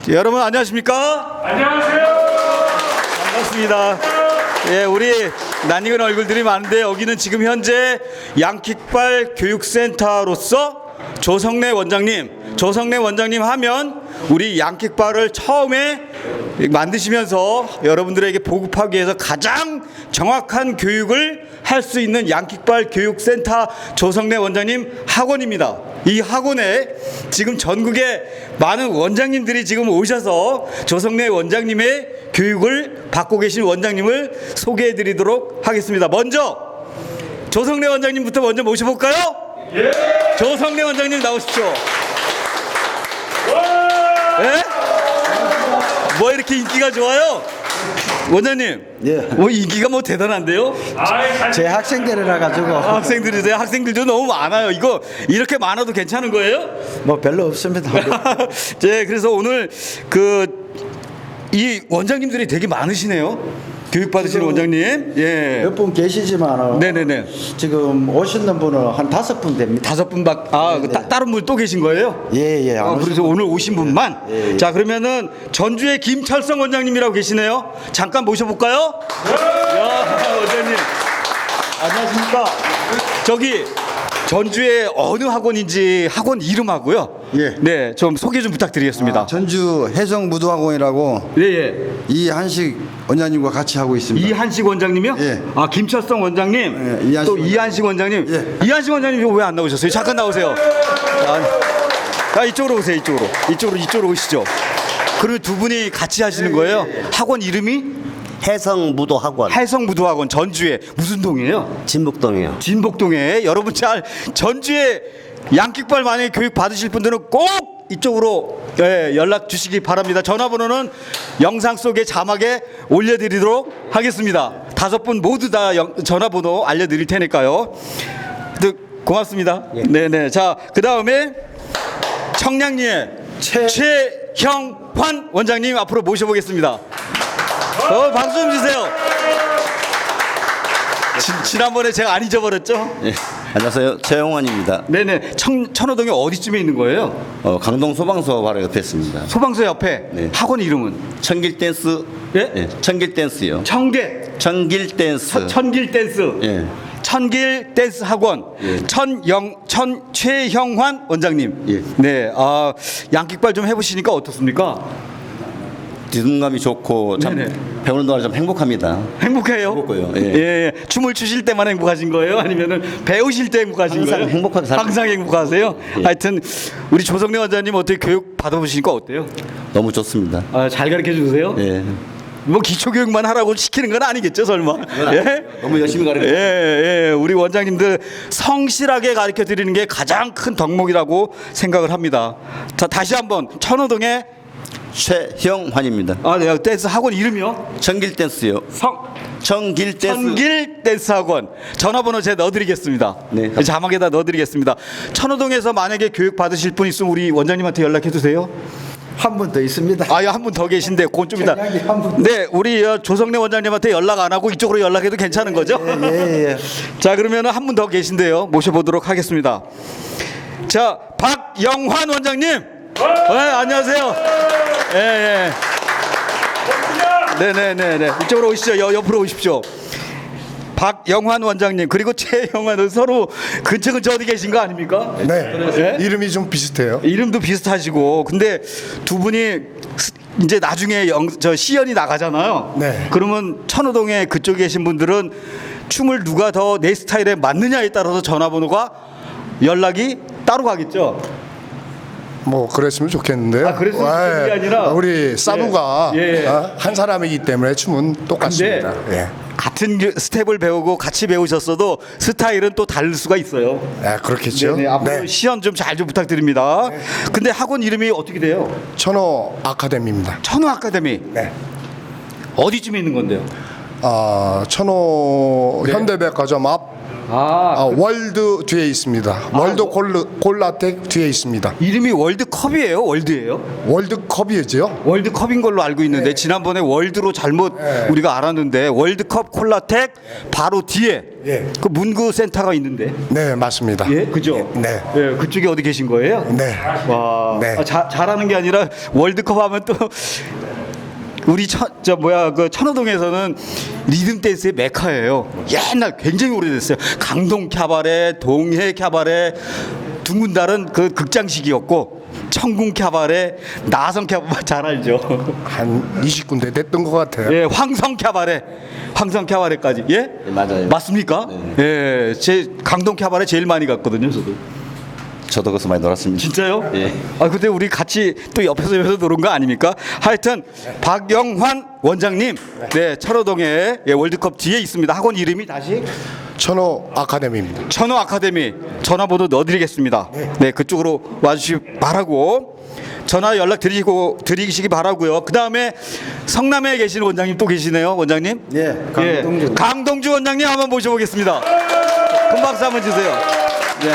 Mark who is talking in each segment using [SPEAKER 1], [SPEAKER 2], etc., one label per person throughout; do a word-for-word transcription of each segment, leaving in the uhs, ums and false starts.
[SPEAKER 1] 여러분 안녕하십니까?
[SPEAKER 2] 안녕하세요.
[SPEAKER 1] 반갑습니다. 예, 우리 낯익은 얼굴들이 많은데 여기는 지금 현재 양킥발 교육센터로서 조성래 원장님, 조성래 원장님 하면 우리 양킥발을 처음에 만드시면서 여러분들에게 보급하기 위해서 가장 정확한 교육을 할 수 있는 양킥발 교육센터 조성래 원장님 학원입니다. 이 학원에 지금 전국에 많은 원장님들이 지금 오셔서 조성래 원장님의 교육을 받고 계신 원장님을 소개해 드리도록 하겠습니다. 먼저 조성래 원장님부터 먼저 모셔볼까요?
[SPEAKER 2] 예.
[SPEAKER 1] 조성래 원장님 나오십시오.
[SPEAKER 2] 와.
[SPEAKER 1] 예? 뭐 이렇게 인기가 좋아요? 원장님,
[SPEAKER 3] 예.
[SPEAKER 1] 뭐 인기가 뭐 대단한데요?
[SPEAKER 2] 아이, 잘-
[SPEAKER 3] 제 학생들이라 가지고
[SPEAKER 1] 학생들이세요? 학생들도 너무 많아요. 이거 이렇게 많아도 괜찮은 거예요?
[SPEAKER 3] 뭐 별로 없습니다.
[SPEAKER 1] 네, 그래서 오늘 그 이 원장님들이 되게 많으시네요. 교육 받으시는 원장님. 예.
[SPEAKER 3] 몇 분 계시지만
[SPEAKER 1] 네네네.
[SPEAKER 3] 지금 오시는 분은 한 다섯 분 됩니다.
[SPEAKER 1] 다섯 분밖. 아, 그 따, 다른 분 또 계신 거예요?
[SPEAKER 3] 예예.
[SPEAKER 1] 아, 그래서 오늘 오신 분만.
[SPEAKER 3] 예, 예.
[SPEAKER 1] 자, 그러면은 전주의 김철성 원장님이라고 계시네요. 잠깐 모셔볼까요? 야, 원장님. 안녕하십니까? 저기 전주의 어느 학원인지 학원 이름하고요.
[SPEAKER 4] 예.
[SPEAKER 1] 네, 좀 소개 좀 부탁드리겠습니다.
[SPEAKER 4] 전주 해성무도학원이라고
[SPEAKER 1] 예, 예.
[SPEAKER 4] 이한식 원장님과 같이 하고 있습니다.
[SPEAKER 1] 이한식 원장님이요?
[SPEAKER 4] 예.
[SPEAKER 1] 아, 김철성 원장님.
[SPEAKER 4] 예, 이한식
[SPEAKER 1] 또
[SPEAKER 4] 원장님.
[SPEAKER 1] 이한식 원장님.
[SPEAKER 4] 예.
[SPEAKER 1] 이한식 원장님 왜 안 나오셨어요? 잠깐 나오세요. 아, 아, 이쪽으로 오세요. 이쪽으로. 이쪽으로 이쪽으로 오시죠. 그러면 두 분이 같이 하시는 거예요? 학원 이름이
[SPEAKER 5] 해성무도학원
[SPEAKER 1] 해성무도학원 전주에 무슨 동이에요?
[SPEAKER 5] 진북동이요.
[SPEAKER 1] 진복동에. 여러분 잘 전주에 양킥발 만약에 교육 받으실 분들은 꼭 이쪽으로 예, 연락 주시기 바랍니다. 전화번호는 영상 속에 자막에 올려드리도록 하겠습니다. 다섯 분 모두 다 영- 전화번호 알려드릴 테니까요. 네, 고맙습니다. 네네. 자, 그 다음에 청량리의
[SPEAKER 3] 최-
[SPEAKER 1] 최형환 원장님 앞으로 모셔보겠습니다. 어, 박수 좀 주세요. 지, 지난번에 제가 안 잊어버렸죠?
[SPEAKER 5] 예. 안녕하세요. 최용환입니다.
[SPEAKER 1] 네네. 청, 천호동에 어디쯤에 있는 거예요?
[SPEAKER 5] 어, 강동 소방서 바로 옆에 있습니다.
[SPEAKER 1] 소방서 옆에.
[SPEAKER 5] 네.
[SPEAKER 1] 학원 이름은?
[SPEAKER 5] 청길 댄스.
[SPEAKER 1] 예?
[SPEAKER 5] 청길 댄스요.
[SPEAKER 1] 청계.
[SPEAKER 5] 청길 댄스.
[SPEAKER 1] 천- 천길 댄스.
[SPEAKER 5] 예.
[SPEAKER 1] 천길 댄스 학원.
[SPEAKER 5] 예.
[SPEAKER 1] 천영 천 최형환 원장님.
[SPEAKER 5] 예.
[SPEAKER 1] 네. 아, 양킥발 좀 해보시니까 어떻습니까?
[SPEAKER 5] 리듬감이 좋고 참
[SPEAKER 1] 네네.
[SPEAKER 5] 배우는 동안 좀 행복합니다.
[SPEAKER 1] 행복해요?
[SPEAKER 5] 행복해요. 예.
[SPEAKER 1] 예, 예. 춤을 추실 때만 행복하신 거예요? 아니면은 배우실 때 행복하신
[SPEAKER 5] 항상
[SPEAKER 1] 거예요?
[SPEAKER 5] 행복하게 살-
[SPEAKER 1] 항상 행복하세요?
[SPEAKER 5] 예.
[SPEAKER 1] 하여튼 우리 조성래 원장님 어떻게 교육 받아보시니까 어때요?
[SPEAKER 5] 너무 좋습니다.
[SPEAKER 1] 아, 잘 가르쳐 주세요?
[SPEAKER 5] 예.
[SPEAKER 1] 뭐 기초 교육만 하라고 시키는 건 아니겠죠, 설마? 예?
[SPEAKER 5] 너무 열심히 가르쳐.
[SPEAKER 1] 예, 예. 우리 원장님들 성실하게 가르쳐 드리는 게 가장 큰 덕목이라고 생각을 합니다. 자, 다시 한번 천호동에
[SPEAKER 5] 최형환입니다.
[SPEAKER 1] 아, 네, 댄스 학원 이름이요?
[SPEAKER 5] 청길 댄스요.
[SPEAKER 1] 성
[SPEAKER 5] 청길 댄스.
[SPEAKER 1] 천길 댄스 학원. 전화번호 제가 넣어드리겠습니다.
[SPEAKER 5] 네.
[SPEAKER 1] 자막에다 넣어드리겠습니다. 천호동에서 만약에 교육 받으실 분 있으면 우리 원장님한테 연락해 주세요.
[SPEAKER 3] 한 분 더 있습니다.
[SPEAKER 1] 아, 한 분 더 계신데 그건 좀 이따.
[SPEAKER 3] 전략이 한 분.
[SPEAKER 1] 네, 우리 어, 조성래 원장님한테 연락 안 하고 이쪽으로 연락해도 괜찮은 거죠?
[SPEAKER 3] 예, 예.
[SPEAKER 1] 자, 그러면 한 분 더 계신데요. 모셔보도록 하겠습니다. 자, 박영환 원장님. 네, 안녕하세요. 예, 예. 네, 네, 네, 네. 이쪽으로 오시죠. 여, 옆으로 오십시오. 박영환 원장님 그리고 최영환은 서로 근처 근처 어디 계신 거 아닙니까?
[SPEAKER 6] 네.
[SPEAKER 1] 예?
[SPEAKER 6] 이름이 좀 비슷해요.
[SPEAKER 1] 이름도 비슷하시고 근데 두 분이 스- 이제 나중에 영, 저 시연이 나가잖아요.
[SPEAKER 6] 네.
[SPEAKER 1] 그러면 천호동에 그쪽에 계신 분들은 춤을 누가 더 내 스타일에 맞느냐에 따라서 전화번호가 연락이 따로 가겠죠.
[SPEAKER 6] 뭐 그랬으면 좋겠는데요.
[SPEAKER 1] 아, 그랬으면 좋겠는 게 아니라
[SPEAKER 6] 우리 사부가
[SPEAKER 1] 예, 예.
[SPEAKER 6] 어, 한 사람이기 때문에 춤은 똑같습니다. 예.
[SPEAKER 1] 같은 그 스텝을 배우고 같이 배우셨어도 스타일은 또 다를 수가 있어요.
[SPEAKER 6] 아, 그렇겠죠.
[SPEAKER 1] 네, 앞으로
[SPEAKER 6] 네.
[SPEAKER 1] 시연 좀 잘 좀 부탁드립니다. 근데 학원 이름이 어떻게 돼요?
[SPEAKER 6] 천호 아카데미입니다.
[SPEAKER 1] 천호 아카데미.
[SPEAKER 6] 네.
[SPEAKER 1] 어디쯤에 있는 건데요?
[SPEAKER 6] 아, 천호
[SPEAKER 1] 네.
[SPEAKER 6] 현대백화점 앞
[SPEAKER 1] 아,
[SPEAKER 6] 아, 월드 뒤에 있습니다. 월드 골르, 골라텍 뒤에 있습니다.
[SPEAKER 1] 이름이 월드컵이에요? 월드예요?
[SPEAKER 6] 월드컵이죠.
[SPEAKER 1] 월드컵인 걸로 알고 있는데 지난번에 월드로 잘못 우리가 알았는데 월드컵 콜라텍 바로 뒤에
[SPEAKER 6] 예.
[SPEAKER 1] 그 문구 센터가 있는데
[SPEAKER 6] 네, 맞습니다.
[SPEAKER 1] 예 그죠?
[SPEAKER 6] 네.
[SPEAKER 1] 예 그쪽에 어디 계신 거예요?
[SPEAKER 6] 네.
[SPEAKER 1] 와
[SPEAKER 6] 네.
[SPEAKER 1] 아, 자, 잘하는 게 아니라 월드컵 하면 또 우리 천, 저 뭐야 그 천호동에서는 리듬 댄스의 메카예요. 옛날 굉장히 오래됐어요. 강동 캬바레, 동해 캬바레, 둥근달은 그 극장식이었고 청궁 캬바레, 나성 캬바레 잘 알죠.
[SPEAKER 6] 한 이십 군데 됐던 것 같아요.
[SPEAKER 1] 예, 황성 캬바레, 황성 캬바레까지 예?
[SPEAKER 5] 네, 맞아요.
[SPEAKER 1] 맞습니까? 예, 제 강동 캬바레 제일 많이 갔거든요, 저도.
[SPEAKER 5] 저도 거기서 많이 놀았습니다.
[SPEAKER 1] 진짜요?
[SPEAKER 5] 예.
[SPEAKER 1] 아 근데 우리 같이 또 옆에서 옆에서 노는 거 아닙니까? 하여튼 박영환 원장님, 네 철호동에 예, 월드컵 뒤에 있습니다. 학원 이름이 다시
[SPEAKER 6] 천호 아카데미입니다.
[SPEAKER 1] 천호 아카데미. 전화번호 넣어드리겠습니다. 네 그쪽으로 와주시기 바라고 전화 연락 드리고 드리시기 바라고요. 그 다음에 성남에 계신 원장님 또 계시네요, 원장님.
[SPEAKER 3] 예, 강동주.
[SPEAKER 1] 예, 강동주 원장님 한번 모셔보겠습니다. 큰 박수 한번 주세요. 네.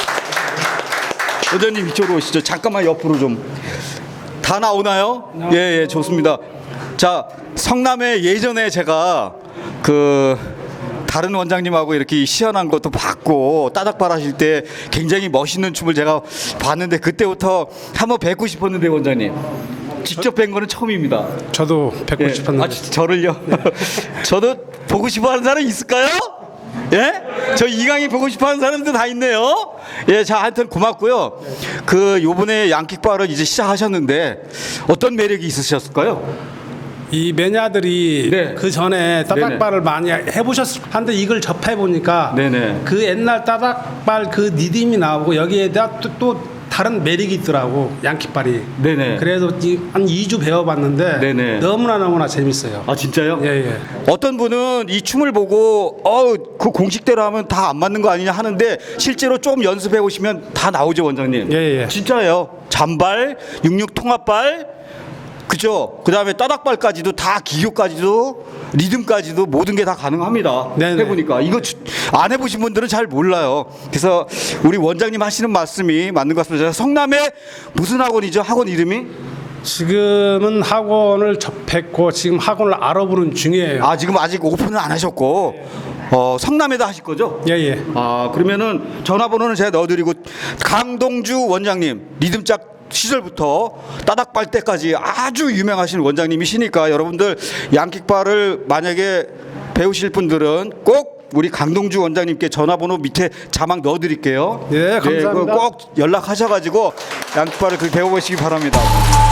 [SPEAKER 1] 원장님 이쪽으로 오시죠. 잠깐만 옆으로 좀. 다 나오나요? 예, 예, 좋습니다. 자, 성남에 예전에 제가 그 다른 원장님하고 이렇게 시연한 것도 봤고 따닥발 하실 때 굉장히 멋있는 춤을 제가 봤는데 그때부터 한번 뵙고 싶었는데 원장님 직접 뵌 거는 처음입니다.
[SPEAKER 2] 저도 뵙고
[SPEAKER 1] 예.
[SPEAKER 2] 싶었는데
[SPEAKER 1] 아, 진짜 저를요? 저도 보고 싶어하는 사람 있을까요? 예? 저 이강인 보고 싶어하는 사람들 다 있네요. 예, 자, 하여튼 고맙고요. 그 요번에 양킥바를 이제 시작하셨는데 어떤 매력이 있으셨을까요?
[SPEAKER 2] 이 매니아들이
[SPEAKER 1] 네.
[SPEAKER 2] 그 전에 따닥발을 많이 해보셨을 한데 이걸 접해 보니까
[SPEAKER 1] 네네.
[SPEAKER 2] 그 옛날 따닥발 그 리듬이 나오고 여기에다 또, 또 다른 매력이 있더라고 양킥발이.
[SPEAKER 1] 네네.
[SPEAKER 2] 그래서 이- 한 이 주 배워봤는데
[SPEAKER 1] 네네.
[SPEAKER 2] 너무나 너무나 재밌어요.
[SPEAKER 1] 아 진짜요?
[SPEAKER 2] 예, 예.
[SPEAKER 1] 어떤 분은 이 춤을 보고 어그 공식대로 하면 다 안 맞는 거 아니냐 하는데 실제로 좀 연습해 보시면 다 나오죠 원장님.
[SPEAKER 2] 예, 예.
[SPEAKER 1] 진짜예요. 잔발, 육육 통합발, 그죠? 그 다음에 따닥발까지도 다 기교까지도 리듬까지도 모든 게 다 가능합니다.
[SPEAKER 2] 네네.
[SPEAKER 1] 해보니까 이거 주- 안 해보신 분들은 잘 몰라요. 그래서 우리 원장님 하시는 말씀이 맞는 것 같습니다. 성남에 무슨 학원이죠? 학원 이름이?
[SPEAKER 2] 지금은 학원을 접했고 지금 학원을 알아보는 중이에요.
[SPEAKER 1] 아 지금 아직 오픈은 안 하셨고 어, 성남에다 하실 거죠?
[SPEAKER 2] 예, 예.
[SPEAKER 1] 아 그러면은 전화번호는 제가 넣어드리고 강동주 원장님 리듬짝 시절부터 따닥발 때까지 아주 유명하신 원장님이시니까 여러분들 양킥발을 만약에 배우실 분들은 꼭 우리 강동주 원장님께 전화번호 밑에 자막 넣어드릴게요.
[SPEAKER 2] 네, 감사합니다.
[SPEAKER 1] 그거 꼭 연락하셔가지고 양킥발을 그 배워보시기 바랍니다.